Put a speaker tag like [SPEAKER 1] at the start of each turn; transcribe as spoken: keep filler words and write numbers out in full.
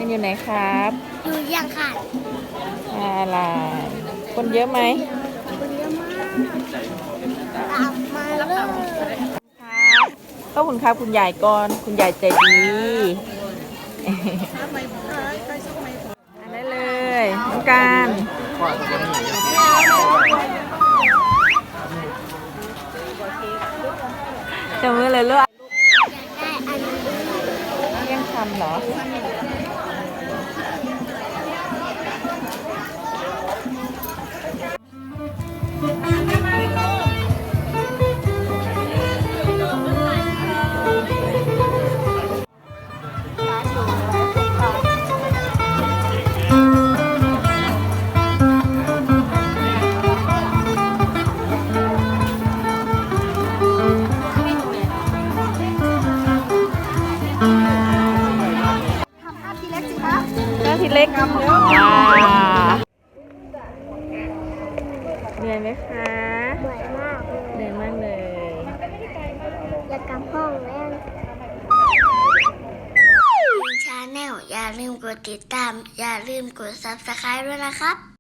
[SPEAKER 1] นอยู่ไหนครับ
[SPEAKER 2] อยู่ยังค่ะ
[SPEAKER 1] อะไรคนเยอะไหม
[SPEAKER 2] คนเยอะมากตามมาเลย
[SPEAKER 1] ครับขอบคุณครับคุณยายก่อนคุณยายใจดีอันได้เลยน้องการจะมือเลยลูก
[SPEAKER 2] ได้อันนี้
[SPEAKER 1] เลี้ยงคำเหรอเจ้าทีเล็กว้าเหนื่อยไหมคะ
[SPEAKER 2] เหนื่อยมากเลย
[SPEAKER 1] เหนื่อยมากเลย
[SPEAKER 2] อยากกลับห้องแล้วชาแนลอย่าลืมกดติดตามอย่าลืมกด ซับสไครบ์ ด้วยนะครับ